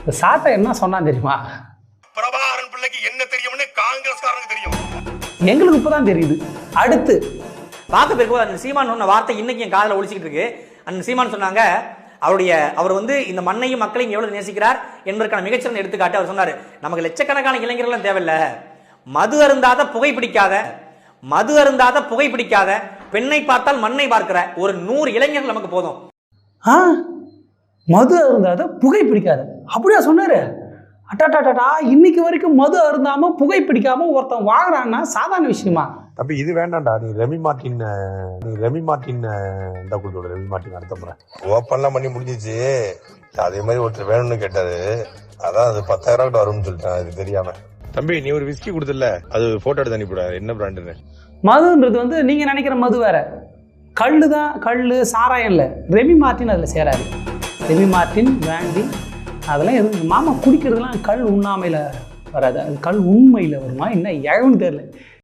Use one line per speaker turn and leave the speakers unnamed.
சாட்டை என்ன சொன்னா தெரியுமா?
பிரபாகரன் பிள்ளைக்கு என்ன தெரியும்னு காங்கிரஸ்காரனுக்கு தெரியும்.
எங்களுக்கு இப்பதான் தெரியுது. அடுத்து
பார்க்க போயிருக்கும் அந்த சீமான் சொன்ன வார்த்தை இன்னைக்கு என் காதில் ஒழிச்சிக்கிட்டு இருக்கு. அந்த சீமான் சொன்னாங்க, அவர் வந்து இந்த மண்ணையும் மக்களையும் எவ்வளவு நேசிக்கிறார் என்பதற்கான மிகச்சிறந்த எடுத்துக்காட்டு. அவர் சொன்னாரு, நமக்கு லட்சக்கணக்கான இளைஞர்கள் தேவையில்ல, மது அருந்தாத புகை பிடிக்காத பெண்ணை பார்த்தால் மண்ணை பார்க்கிற ஒரு 100 இளைஞர்கள் நமக்கு போதும்.
மது அருந்தாத புகை பிடிக்காது அப்படியா சொன்னாரு? அட்டாட்டாட்டா, இன்னைக்கு வரைக்கும் மது அருந்தாம புகை பிடிக்காம ஒருத்தன் வாங்குறான்னா சாதாரண விஷயமா?
தம்பி இது வேண்டாம்டா. நீ ரெமி மார்ட்டின் இந்த குழுவோட ரெமி மார்ட்டின் அடுத்த முறை ஓப்பன்லாம் பண்ணி முடிஞ்சிச்சு. அதே மாதிரி ஒருத்தர் வேணும்னு கேட்டாரு, அதான் அது 10,000 வரும்னு சொல்லிட்டேன். அது தெரியாம. தம்பி நீ ஒரு விஸ்கி கொடுத்துல அது போட்டோ எடுத்து அனுப்பிவிட, என்ன பிராண்டுன்னு.
மதுன்றது வந்து நீங்க நினைக்கிற மது வேற. கல்லு தான், கல்லு சாராயம் இல்லை. ரெமி மார்ட்டின் அதில் சேராது. ரெமி மார்ட்டின் பிராண்டி அதெல்லாம் எதுவும் மாமா குடிக்கிறதுலாம் கல் உண்ணாமையில் வராது. அது கல் உண்மையில் வருமா என்ன ஏன்னு தெரியல.